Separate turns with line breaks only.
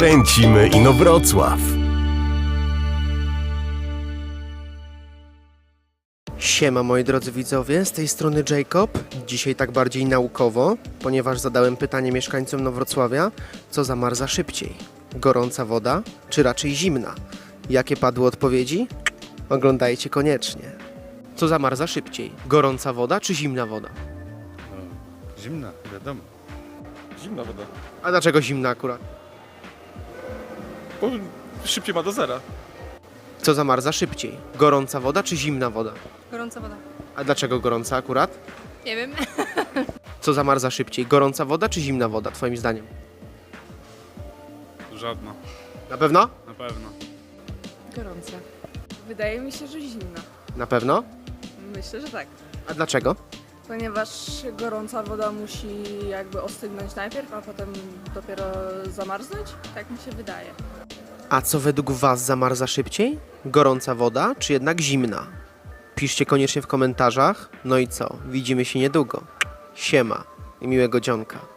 Kręcimy Inowrocław.
Siema moi drodzy widzowie, z tej strony Jacob. Dzisiaj tak bardziej naukowo, ponieważ zadałem pytanie mieszkańcom Inowrocławia, co zamarza szybciej? Gorąca woda, czy raczej zimna? Jakie padły odpowiedzi? Oglądajcie koniecznie. Co zamarza szybciej? Gorąca woda, czy zimna woda?
Zimna, wiadomo.
Zimna woda.
A dlaczego zimna akurat?
Bo szybciej ma do zera.
Co zamarza szybciej? Gorąca woda, czy zimna woda?
Gorąca woda.
A dlaczego gorąca akurat?
Nie wiem.
Co zamarza szybciej? Gorąca woda, czy zimna woda, twoim zdaniem?
Żadna,
Na pewno?
na pewno.
Gorąca. Wydaje mi się, że zimna.
Na pewno?
Myślę, że tak.
A dlaczego?
Ponieważ gorąca woda musi jakby ostygnąć najpierw, a potem dopiero zamarznąć. Tak mi się wydaje.
A co według was zamarza szybciej? Gorąca woda, czy jednak zimna? Piszcie koniecznie w komentarzach. No i co? Widzimy się niedługo. Siema i miłego dzionka.